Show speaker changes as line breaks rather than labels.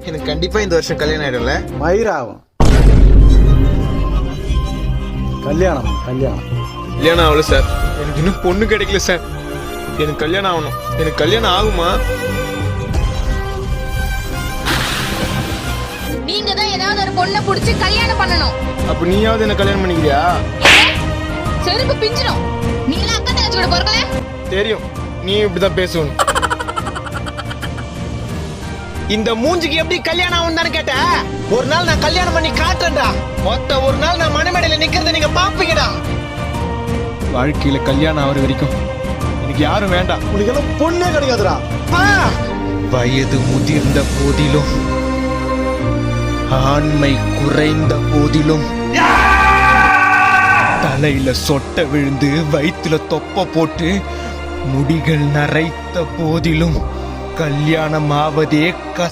எனக்கு கண்டிப்பா இந்த வருஷம் கல்யாணம் ஆயிடும்ல?
மயிராகும். கல்யாணம் கல்யாணம்
கல்யாணம் ஆகல சார். எனக்கு இன்னும் பொண்ணு கிடைக்கல சார். எனக்கு கல்யாணம் ஆகணும். எனக்கு கல்யாணம் ஆகுமா?
நீங்க தான் ஏதாவது ஒரு பொண்ணை புடிச்சு கல்யாணம் பண்ணணும்.
அப்ப நீயாவது என்ன கல்யாணம் பண்ணிக்கிறியா?
செருப்பு பிஞ்சிடும். நீ எல்லாம் அக்கா தங்கச்சி கூட பிறக்கல?
தெரியும், நீ இப்படிதான் பேசணும். இந்த மூஞ்சிக்கு எப்படி கல்யாணம் ஆகும் தானே கேட்ட? ஒரு நாள் நான் கல்யாணம் பண்ணி காட்டுறேன்டா. மொத்த ஒரு நாள் நான் மணமேடையில நிக்கிறத நீங்க பாப்பீங்கடா. வாழ்க்கையில கல்யாணம் ஆகிற வரைக்கும் எனக்கு யாரும் வேண்டாம்.
உனக்கு எல்லாம் பொண்ணே கிடைக்காதுடா.
வயது முதிர்ந்த போதிலும் ஆண்மை குறைந்த போதிலும் தலையில சொட்ட விழுந்து வயிற்றுல தொப்ப போட்டு முடிகள் நரைத்த போதிலும் கல்யாணம் ஆவதே